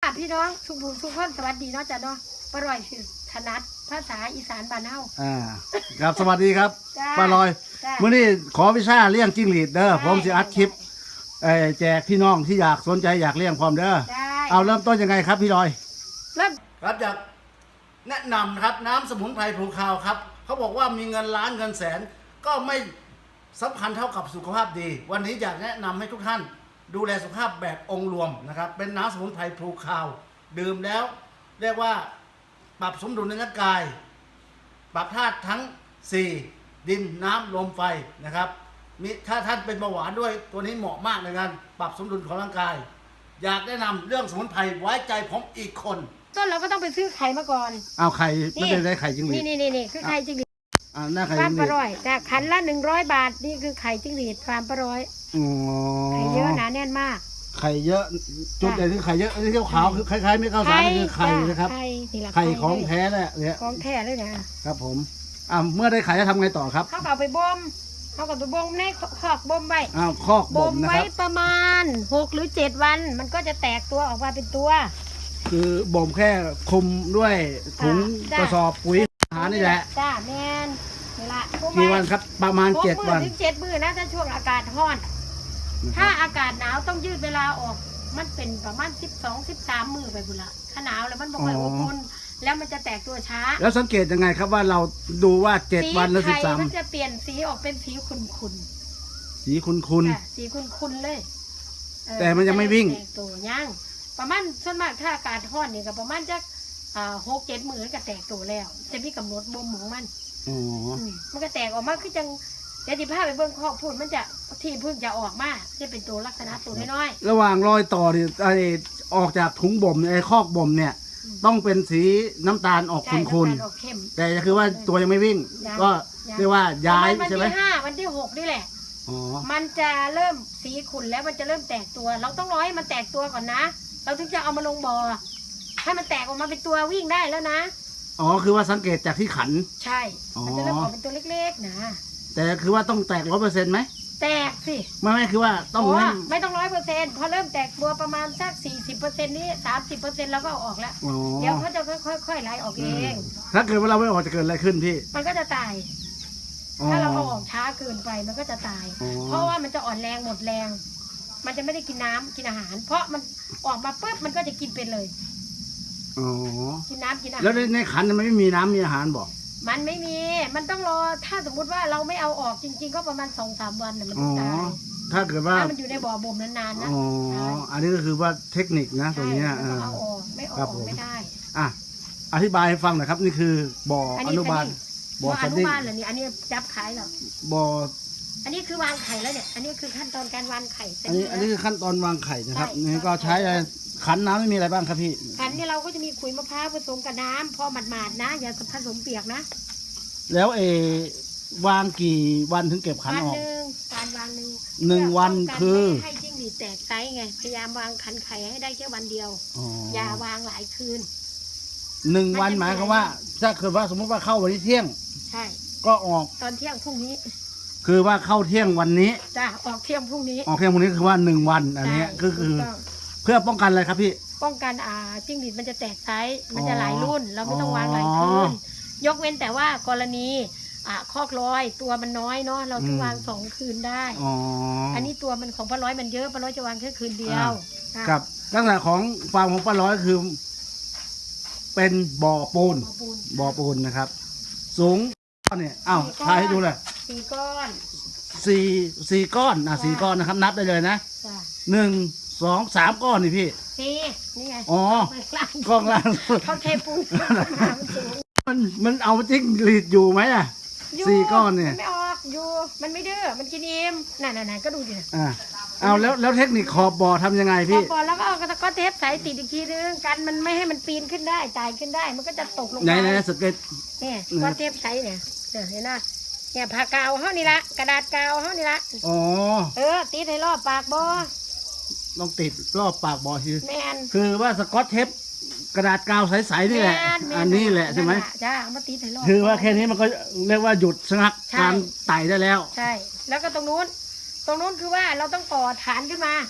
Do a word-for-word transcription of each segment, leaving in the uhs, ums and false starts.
พี่น้องทุกผู้ทุกคนสวัสดีเนาะจ้ะเนาะป้าลอยคือถนัดภาษาอีสานบ้านเฮาอ่าครับสวัสดีครับจ้าป้าลอยจ้าเมื่อนี้ขอวิชาเลี้ยงจิ้งหรีดเด้อได้ผมจะอัดคลิปเอ่อแจกพี่น้องที่อยากสนใจอยากเลี้ยงพร้อมเด้อได้เอาเริ่มต้นยังไงครับพี่ลอยเริ่มครับอยากแนะนำครับน้ำสมุนไพรภูคาวครับเขาบอกว่ามีเงินล้านเงินแสน ก็ไม่สำคัญเท่ากับสุขภาพดี วันนี้อยากแนะนำให้ทุกท่านดูแลสุขภาพแบบองค์รวมนะครับเป็นน้ำสมุนไพรภูคาวดื่มแล้วเรียกว่าปรับสมดุลในร่างกาย ปรับธาตุทั้งสี่ดินน้ำลมไฟนะครับมีถ้าท่านเป็นเบาหวานด้วยตัวนี้เหมาะมากในการปรับสมดุลของร่างกาย อยากแนะนำเรื่องสมุนไพรไว้ใจผมอีกคนต้นเราก็ต้องไปซื้อไข่มาก่อนเอาไข่ไม่ได้ได้ไข่จริงหรีนี่ดนี่นี่นี่คือไข่จิ้งหรีดอ่าหน้าไข่ฟาร์มจริงหป้ารีดลอยแต่ขันละหนึ่งร้อยบาทนี่คือไข่จิ้งหรีดฟาร์มป้าลอยอ๋อไข่เยอะหนาแน่นมากไข่เยอะจุดใหญ่ที่ไข่เยอะอันนี้ขาวๆคือคล้ายๆไม่ข้าวสารนี่คือไข่นะครับไข่นี่แหละไข่ของแท้แหละเนี่ยของแท้เลยนะครับผมอ่าเมื่อได้ไข่จะทำไงต่อครับเขาก็เอาไปบ่มเขาก็ไปบ่มในคอกบ่มไว้อ้าวคอกบ่บ่มมนะไว้ครับประมาณหกหรือเจ็ดวัน มันก็จะแตกตัวออกมาเป็นตัวคือบ่มแค่คลุมด้วยถุงจ้ะกระสอบปุ๋ยอาหารนี่แหละจ้าแมนนี่ละกี่วันครับประมาณหกเจ็ดมื้อวันถึงเจ็ดมื้อนะถ้าช่วงอากาศร้อน ถ้าอากาศหนาวต้องยืดเวลาออก มันเป็นประมาณสิบสอง สิบสามมื้อไปบุละถ้าหนาวแล้วมันบ่ค่อยอบอุ่นแล้วมันจะแตกตัวช้าแล้วสังเกตยังไงครับว่าเราดูว่าเจ็ดวันหรือสิบสามไข่มันจะเปลี่ยนสีออกเป็นสีขุ่นสีคุณๆค่ะสีขุ่นๆเลยเออแต่มันยังไม่วิ่งแตกตัวยังประมาณส่วนมากถ้าอากาศร้อนนี่ก็ประมาณจักอ่าหกเจ็ดมื้อก็แตกตัวแล้ว จะมีกำหนดบ่มของมันอ๋ออืมมันก็แตกออกมาคือจังเดี๋ยวที่ผ้าไปเบิ่งคอกพูดมันจะที่เพิ่งจะออกมาจะเป็นตัวลักษณะตัวน้อยระหว่างรอยต่อเนี่ยไอออกจากถุงบ่มไอคอกบ่มเนี่ยอืมต้องเป็นสีน้ำตาลออกๆใช่คุณน้ำตาลออกเข้มๆแต่คือว่าตัวยังไม่วิ่งยังก็ยังเรียกว่าย้ายประณวันใช่ไหมที่ห้าวันที่หกนี่แหละอ๋อมันจะเริ่มสีขุ่นแล้วมันจะเริ่มแตกตัว เราต้องรอให้มันแตกตัวก่อนนะ เราถึงจะเอามาลงบ่อให้มันแตกออกมาเป็นตัววิ่งได้แล้วนะอ๋อคือว่าสังเกตจากที่ขันใช่อ๋อมันจะเริ่มออกเป็นตัวเล็กๆนะแต่คือว่าต้องแตกร้อยเปอร์เซ็นต์ไหมแตกสิไม่ไม่คือว่าต้องเพราะให้ว่าไม่ต้องร้อยเปอร์เซ็นต์พอเริ่มแตกตัวประมาณสักสี่สิบเปอร์เซ็นต์นี้สามสิบเปอร์เซ็นต์เราก็เอาออกแล้วอ๋อเดี๋ยวเขาจะค่อยๆไล่ออกเองถ้าเกิดว่าเราไม่ออกจะเกิดอะไรขึ้นพี่มันก็จะตายอ๋อถ้าเราเอาออกช้าเกินไปมันก็จะตายอ๋อเพราะว่ามันจะอ่อนแรงหมดแรง มันจะไม่ได้กินน้ำกินอาหาร เพราะมันออกมาปุ๊บมันก็จะกินเป็นเลยอ๋อกินน้ำกินอาหารแล้วในในขันมันไม่มีน้ำมีอาหารบอกมันไม่มี มันต้องรอ ถ้าสมมุติว่าเราไม่เอาออกจริง ๆ ก็ประมาณสองสามวันน่ะมันอ๋อจะตายถ้าเกิดว่าถ้ามันอยู่ในบ่อบ่มนานๆนะอ๋อใช่อันนี้ก็คือว่าเทคนิคนะตรงเนี้ยใช่เอมันอต้องเอาออกไม่เอาครัอบผอกมไม่ได้อ่ะอธิบายให้ฟังหน่อยครับ นี่คือบ่ออันอนี้นุบาลบ่ออสนุดิ้งบาลเหรอนี่อันนี้จับขายเหรอบ่ออันนี้คือวางไข่แล้วเนี่ย อันนี้คือขั้นตอนการวางไข่เสร็จอันนี้แล้วอันนี้คือขั้นตอนวางไข่นะครับใช่นี่ก็ใช้อะไรขันน้ำไม่มีอะไรบ้างครับพี่ขันนี่เราก็จะมีขุยมะพร้าวผสมกับน้ำพอหมาดๆนะ อย่าผสมเปียกนะแล้วเออวางกี่วันถึงเก็บขันวันออกหนึ่งการวางหนึ่งหนึ่งวันเพื่ป้งกันคือไม่ให้จิ้งหรีดแตกไซส์ไง พยายามวางขันไข่ให้ได้แค่วันเดียวอ๋ออย่าวางหลายคืนหนึ่งวันหมายความว่า ถ้าเกิดว่าสมมติว่าเข้าวันนี้เที่ยงใช่ก็ออกตอนเที่ยงพรุ่งนี้คือว่าเข้าเที่ยงวันนี้จ้าออกเที่ยงพรุ่งนี้ออกเที่ยงวันนี้คือว่าหนึ่งวันอันเนี้ยใช่ก็คือถูต้องเพื่อป้องกันอะไรครับพี่ป้องกันอ่าจิ้งหรีดมันจะแตกไซส์มันอ๋จะอหลายรุ่น เราไม่ต้องวางหลายอ๋อคืน ยกเว้นแต่ว่ากรณีอ่าคอกร้อยตัวมันน้อยเนาะเราถึงอืมวางสองคืนได้อ๋ออัอันนี้ตัวมันของป้าร้อยมันเยอะป้าร้อยจะวางแค่คืนเดียวอ่ะกับลักษณะของฟาร์มของป้าร้อยคือ เป็นบ่อปูนเอาปูนบ่อปูนนะครับ สูงเนี่ยอ้าวถ่ายให้ดูเลยสี่ก้อนสี่สี่ก้อนอ่ะจ้ะสี่ก้อนนะครับ นับได้เลยนะจ้ะหนึ่งสองสามก้อนนี่พี่สี่นี่ไงอ๋อไม่กล้ากล้องล่างเขาเทปูนมามันสูงมันมันเอาจิ้งหรีดอยู่ไหมอ่ะอยู่สี่ก้อนเนี่ยมัไม่ออกอยู่ มันไม่ดื้อ มันกินอิ่มน่ะๆๆก็ดูดิอ่าเอาแล้วแล้วเทคนิคขอบบ่อทำยังไงพอพี่พอแล้วก็เอากระก็เทปใส่ติดอีกทีนึงกันมันไม่ให้มันปีนขึ้นได้ตายขึ้นได้ มันก็จะตกลงไหนมาไหนสเก็ตเนี่ยอืมก็เทปใส่เนี่ยเดี๋ยวเห็นไหมเนี่ยผ้ากาวเฮานี่ละกระดาษกาวเฮานี่ละอ๋อเออติดให้รอบปากบ่ต้องติดรอบปากบ่อคือแมนคือว่าสกอตเทปกระดาษกาวใสๆนี่แหละม่ม่อันนี้แหละใช่ไหมนั่นจ้าเอามาติดให้รอบคือว่าแค่นี้มันก็เรียกว่าหยุดชะงักใช่การไต่ได้แล้วใช่ แล้วก็ตรงนู้น ตรงนู้นคือว่าเราต้องต่อฐานขึ้นมา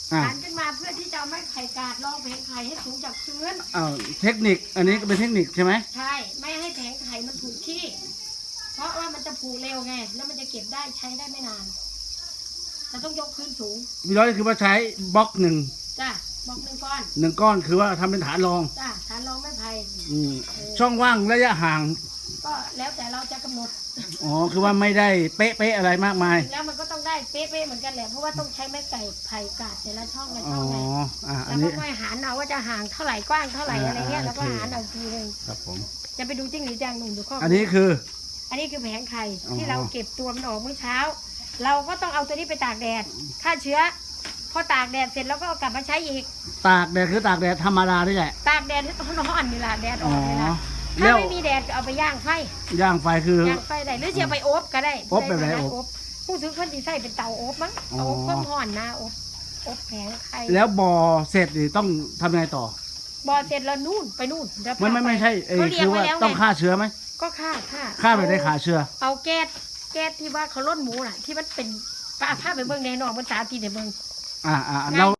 อ่าหันขึ้นมาเพื่อที่จะเอาไม้ไผ่กาดรองแผงไข่ให้สูงจากพื้นอ้าวเทคนิคอันนี้ก็เป็นเทคนิคใช่ไหมใช่ไม่ให้แผงไข่มันถูกที่ เพราะว่ามันจะผูเร็วไงแล้วมันจะเก็บได้ใช้ได้ไม่นานเราต้องยกพื้นสูงพี่ร้อยคือว่าใช้บล็อกหนึ่งจ้ะบอกหนึ่งก้อนหนึ่งก้อนคือว่าทำเป็นฐานรองจ้ะฐานรองไม้ไผ่อืมช่องว่างระยะห่างก็แล้วแต่เราจะกำหนดอ๋อคือว่าไม่ได้เป๊ะๆอะไรมากมายแล้วมันก็ต้องได้เป๊ะๆเหมือนกันแหละเพราะว่าต้องใช้ไม้ไก่ไผ่กาดแต่ละช่องละอ๋ช่อองไงอ่าอัแล้นวก็นี้ค่อยหารเอาว่าจะห่างเท่าไหร่กว้างเท่าไหร่อะไรเงี้ยอ่าแล้วก็โอเคหารเอาทีนึงครับผมจะไปดูจิ้งหรีดแดงหนุ่มดูข้ออันนี้คืออันนี้คือแผงไข่อ๋อที่เราเก็บตัวมันออกเมื่อเช้า เราก็ต้องเอาตัวนี้ไปตากแดดฆ่าเชื้อพอตากแดดเสร็จแล้วก็เอากลับมาใช้อีกตากแดดคือตากแดดธรรมดานี่แหละตากแดดให้ต้นอ่อนนี่แหละแดดออ๋ออกนี่แหละแล้ถ้าว ไม่มีแดดก็เอาไปย่างไฟย่างไฟคือย่างไฟได้หรือจะเอาไปอบก็ได้อบแบบไหนด้อบผู้ซื้อคนที่ใส่เป็นเตาอบมั้งอ๋อเอาอบเพิ่มห่อนนะอบอบแผงไข่แล้วบ่อเสร็จนี่ต้องทำยังไงต่อบอเสร็จแล้วนู่นไปนู่นเดี๋ยวไม่ไม่พาปไม่ใช่เออเขาเรียคืกอไว้ว่าแล้วไงต้องฆ่าเชื้อไหมก็ฆ่าฆ่าฆ่าไปได้ฆ่าเชื้อเอาแก๊สแก๊สที่ว่าเขาล้นหมูน่ะ ที่มันเป็นป้าผ้าไปเบิ่งในหนองภาษาตีในเบิ่งอ่าอ่าง่ายเรา